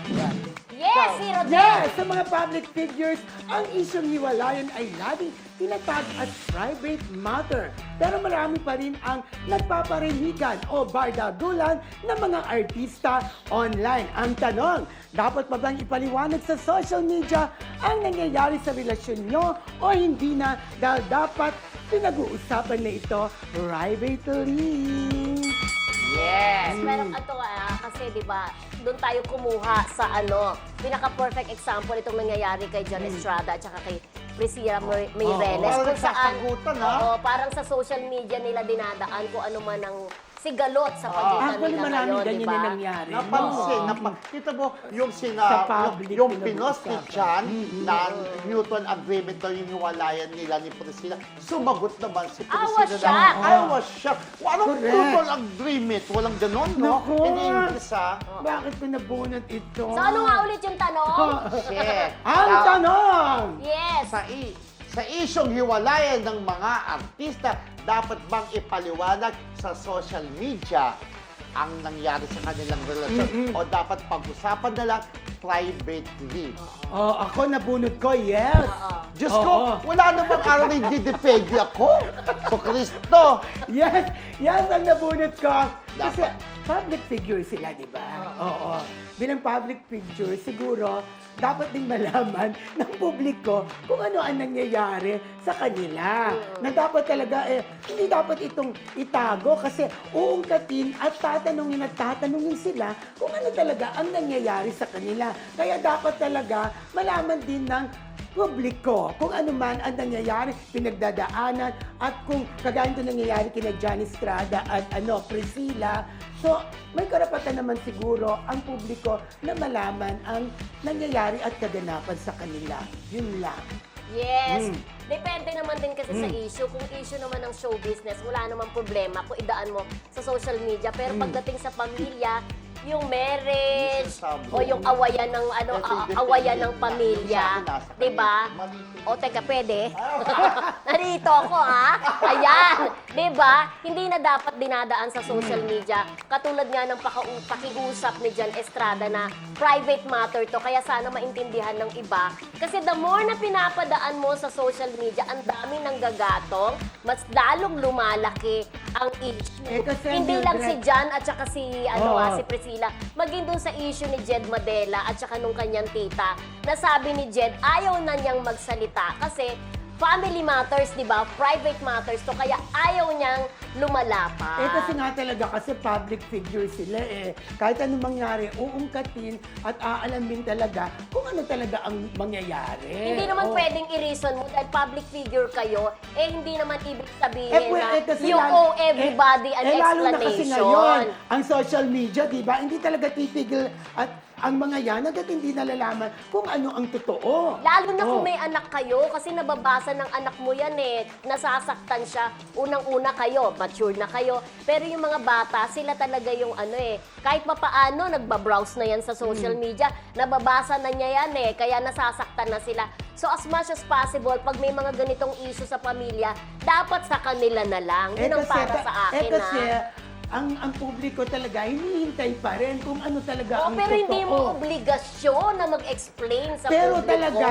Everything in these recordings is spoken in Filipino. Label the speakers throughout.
Speaker 1: Yes, si Rodel!
Speaker 2: Yes, sa mga public figures, ang isyong hiwalayan ay laging tinatag at private matter. Pero marami pa rin ang nagpaparinigan o bardagulan ng mga artista online. Ang tanong, dapat pa bang ipaliwanag sa social media ang nangyayari sa relasyon nyo o hindi na dahil dapat pinag-uusapan na ito privately?
Speaker 1: Yes, pero ito kasi 'di ba, doon tayo kumuha sa pinaka-perfect example itong nangyayari kay John Estrada at saka kay Priscilla Meireles.
Speaker 3: Parang
Speaker 1: Kung saan,
Speaker 3: nagsasagutan, ha?
Speaker 1: parang sa social media nila dinadaan kung ano man ang sigalot sa pagitan
Speaker 2: Actually,
Speaker 1: nila
Speaker 2: maraming
Speaker 1: ngayon,
Speaker 2: ganyan
Speaker 1: di ba?
Speaker 2: na nangyari.
Speaker 3: Napansin, kita mo yung
Speaker 2: Sa public,
Speaker 3: yung pinos ni
Speaker 2: pinag-uusapan.
Speaker 3: John na mutual agreement daw yung hiwalayan nila ni Priscilla. Sumagot naman si
Speaker 1: I
Speaker 3: Priscilla.
Speaker 1: was shocked.
Speaker 3: I was shocked. Anong
Speaker 2: Correct.
Speaker 3: mutual agreement? Walang ganon, no?
Speaker 2: Naku.
Speaker 3: In English, ha?
Speaker 2: Bakit pinabunot ito?
Speaker 1: So ano nga ulit yung tanong?
Speaker 3: Shit.
Speaker 2: Ang
Speaker 3: Now,
Speaker 2: tanong!
Speaker 1: Yes!
Speaker 3: sa isyong hiwalayan ng mga artista, dapat bang ipaliwanag sa social media ang nangyari sa kanilang relasyon o dapat pag-usapan na lang privately?
Speaker 2: Ako nabunot ko, yes.
Speaker 3: Diyos
Speaker 2: Oo.
Speaker 3: ko, wala namang araw na hindi depende ako. So, Kristo.
Speaker 2: Yes, yes ang nabunot ko. Kasi
Speaker 3: Dapat.
Speaker 2: public figure sila, di ba? Oo. Bilang public figure, siguro, dapat din malaman ng publiko kung ano ang nangyayari sa kanila. Na dapat talaga, hindi dapat itong itago kasi uungkatin at tatanungin sila kung ano talaga ang nangyayari sa kanila. Kaya dapat talaga malaman din ng publiko kung ano man ang nangyayari, pinagdadaanan, at kung kagaya ito nangyayari kina John Estrada at Priscilla. So, may karapatan naman siguro ang publiko na malaman ang nangyayari at kaganapan sa kanila. Yun lang.
Speaker 1: Yes. Depende naman din kasi sa issue. Kung issue naman ng show business, wala namang problema kung idaan mo sa social media. Pero pagdating sa pamilya, yung marriage o yung awayan ng awayan ng pamilya, 'di ba? O teka, pwede? Narito ako Ayan, 'di ba? Hindi na dapat dinadaan sa social media. Katulad nga ng pakiusap ni John Estrada na private matter to, kaya sana maintindihan ng iba. Kasi the more na pinapadaan mo sa social media, ang dami ng gagatong, mas lalong lumalaki ang issue.
Speaker 2: Kasi
Speaker 1: Hindi lang si John at saka si si Priscilla, maging dun sa issue ni Jed Madela at saka nung kanyang tita, na sabi ni Jed, ayaw na niyang magsalita kasi family matters, di ba? Private matters to, kaya ayaw niyang lumalapa.
Speaker 2: Kasi nga talaga, kasi public figure sila Kahit anong mangyari, uungkatin at aalamin talaga kung ano talaga ang mangyayari.
Speaker 1: Hindi naman pwedeng i-reason mo dahil public figure kayo, hindi naman ibig sabihin na
Speaker 2: kasi
Speaker 1: you owe everybody an
Speaker 2: lalo na kasi
Speaker 1: explanation.
Speaker 2: ngayon, ang social media, di ba, hindi talaga titigil at ang mga yan, hanggat hindi nalalaman kung ano ang totoo.
Speaker 1: Lalo na kung may anak kayo, kasi nababasa ng anak mo yan nasasaktan siya. Unang-una kayo, mature na kayo. Pero yung mga bata, sila talaga yung kahit papaano, nagbabrowse na yan sa social media, nababasa na niya yan kaya nasasaktan na sila. So as much as possible, pag may mga ganitong issue sa pamilya, dapat sa kanila na lang. Yun ang para sa akin
Speaker 2: kasi, ang publiko talaga, hinihintay pa rin kung ano talaga ang
Speaker 1: pero
Speaker 2: totoo.
Speaker 1: hindi mo obligasyon na mag-explain sa
Speaker 2: Pero
Speaker 1: publiko.
Speaker 2: talaga,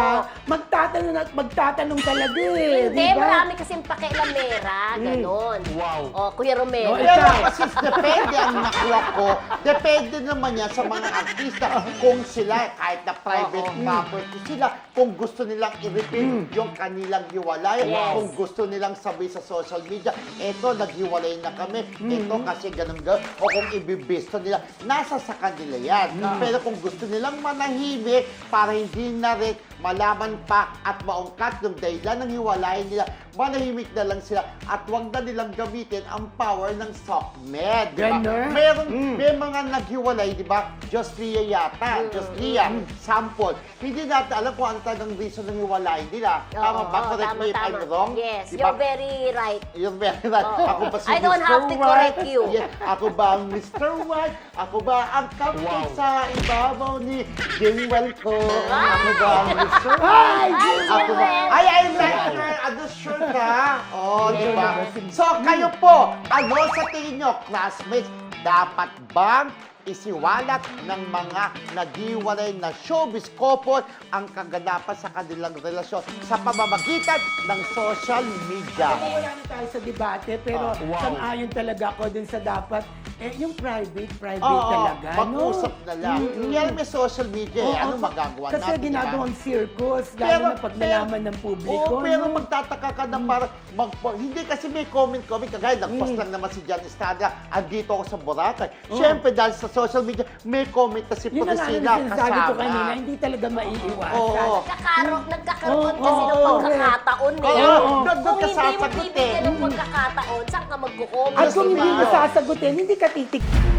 Speaker 2: magtatanong talaga
Speaker 1: Hindi,
Speaker 2: di ba?
Speaker 1: marami kasing pakialamera, ganon.
Speaker 3: Wow.
Speaker 1: Kuya Romero.
Speaker 3: Pero kasi depende ang nakuha ko. Depende naman yan sa mga artista kung sila, kahit na private property sila, kung gusto nilang i-repeat yung kanilang hiwalay,
Speaker 1: Yes.
Speaker 3: kung gusto nilang sabi sa social media, eto, naghiwalay na kami, eto kasi ganun. O kung ibibisto nila, nasa sa kanila yan. Pero kung gusto nilang manahimik para hindi na rin malaman pa at maungkat yung dahilan ng hiwalayan nila, manahimik na lang sila at huwag na nilang gamitin ang power ng SOCMED. Diba?
Speaker 2: Ganon.
Speaker 3: May mga naghiwalay, di ba? Just Lia yata. Just Lia. Sample. Hindi natin alam kung ano talagang reason ng hiwalayan nila. Tama ba? Correct me if I'm wrong?
Speaker 1: Yes,
Speaker 3: Diba?
Speaker 1: you're very right.
Speaker 3: You're very right. Ako ba si
Speaker 1: I don't
Speaker 3: Mr.
Speaker 1: have to correct
Speaker 3: White?
Speaker 1: you.
Speaker 3: Yes. Ako ba ang Mr. White? Ako ba ang captain sa ibabaw ni Jingwell ko? Ako ba ang Mr. White? Ako ba? Ay, I like your shirt ha? Oh, di ba? So, kayo po, ano sa tingin nyo, classmates, dapat bang isiwalat ng mga naghiwalay na showbiz couple ang kaganapan sa kanilang relasyon sa pamamagitan ng social media.
Speaker 2: Wala na tayo sa debate, pero sang-ayon talaga ako dun sa dapat, yung private talaga.
Speaker 3: Mag-usap na lang. Kaya may social media, ano
Speaker 2: Oo,
Speaker 3: magagawa
Speaker 2: kasi
Speaker 3: natin,
Speaker 2: ginagawang circus, lalo na pag nalaman ng publiko.
Speaker 3: Oo, pero
Speaker 2: no?
Speaker 3: magtataka ka na parang, hindi kasi may comment, kagaya nagpost lang naman si Jan Estrada, andito ako sa Boracay. Siyempre, dahil sa social media, may comment na si
Speaker 2: Yun na nga yung
Speaker 3: Priscilla
Speaker 2: sinasabi ko kanina,
Speaker 3: kasama.
Speaker 2: hindi talaga maiiwasan.
Speaker 3: Oo.
Speaker 1: Nagkakaroon
Speaker 2: Oo,
Speaker 1: kasi ng
Speaker 2: oo,
Speaker 1: pagkakataon eh.
Speaker 3: Oo, doon
Speaker 1: Kung
Speaker 3: ka
Speaker 1: hindi mo
Speaker 3: sasagutin.
Speaker 1: bibigyan ng pagkakataon, saan ka magkukomment?
Speaker 2: At kung hindi mo
Speaker 3: Diba?
Speaker 2: sasagutin, hindi ka titik.